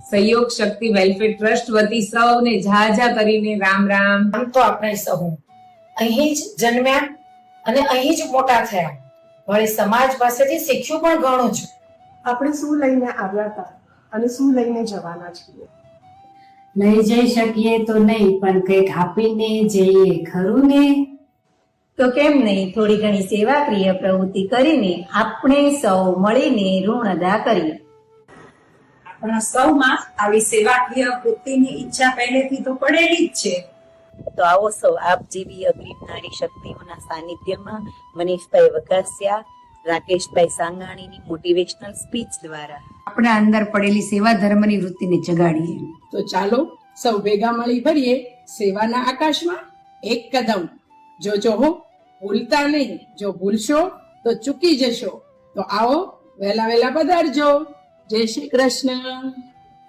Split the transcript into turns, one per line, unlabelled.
સહયોગ શક્તિ welfare trust વતી સૌને ઝાઝા કરીને રામ રામ.
આમ તો આપણે સહુ અહીં જ જન્મ્યા અને અહીં જ મોટા થયા, વળી સમાજ પાસેથી શીખ્યું પણ ઘણું જ.
આપણે શું લઈને આવ્યા હતા અને શું લઈને જવાના છીએ.
લઈ જઈ શકીએ તો નહીં, પણ કંઈક આપીને જઈએ ખરું ને.
તો કેમ નહીં, થોડી ઘણી સેવાક્રિય પ્રવૃત્તિ કરીને આપણે સૌ મળીને ઋણ અદા કરીએ.
આપણા સૌમાં આવી સેવાકીય વૃત્તિની ઈચ્છા પહેલેથી તો પડેલી જ છે.
તો આવો સૌ આપ જેવી અગ્રીમ નારી શક્તિઓના સાનિધ્યમાં મનીષભાઈ વઘાસિયા, રાકેશભાઈ સાંગાણીની મોટિવેશનલ સ્પીચ દ્વારા
આપણા અંદર પડેલી સેવા ધર્મની વૃત્તિને જગાડીએ.
તો ચાલો સૌ ભેગા મળી ભરીએ સેવાના આકાશમાં એક કદમ. જોજો હો, ભૂલતા નહીં. જો ભૂલશો તો ચૂકી જશો. તો આવો, વહેલા વહેલા પધારજો. જય શ્રી કૃષ્ણ.